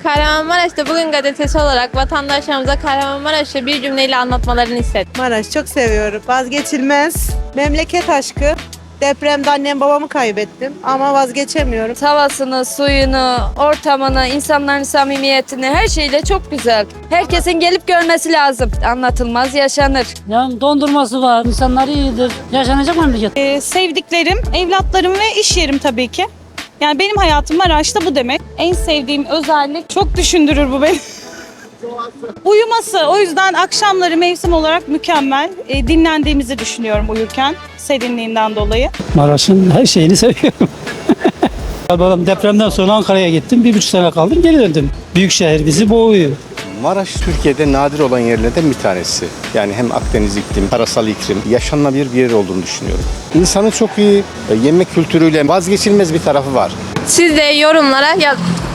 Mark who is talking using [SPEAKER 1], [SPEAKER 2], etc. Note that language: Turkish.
[SPEAKER 1] Kahramanmaraş'ta Bugün gazetesi olarak vatandaşlarımıza Kahramanmaraş'ı bir cümleyle anlatmalarını istedim.
[SPEAKER 2] Maraş çok seviyorum. Vazgeçilmez. Memleket aşkı. Depremde annem babamı kaybettim ama vazgeçemiyorum.
[SPEAKER 3] Havasını, suyunu, ortamını, insanların samimiyetini her şeyle çok güzel. Herkesin gelip görmesi lazım. Anlatılmaz yaşanır.
[SPEAKER 4] Yani dondurması var, insanlar iyidir. Yaşanacak memleket.
[SPEAKER 5] Sevdiklerim, evlatlarım ve iş yerim tabii ki. Yani benim hayatım Maraş'ta bu demek. En sevdiğim özellik çok düşündürür bu beni. Uyuması. O yüzden akşamları mevsim olarak mükemmel. Dinlendiğimizi düşünüyorum uyurken serinliğinden dolayı.
[SPEAKER 4] Maraş'ın her şeyini seviyorum. Babam depremden sonra Ankara'ya gittim. 1,5 sene kaldım, geri döndüm. Büyük şehir bizi boğuyor.
[SPEAKER 6] Maraş Türkiye'de nadir olan yerlerden bir tanesi. Yani hem Akdeniz iklim, karasal iklim, yaşanılabilir bir yer olduğunu düşünüyorum. İnsanı çok iyi, yemek kültürüyle vazgeçilmez bir tarafı var.
[SPEAKER 1] Siz de yorumlara yazın.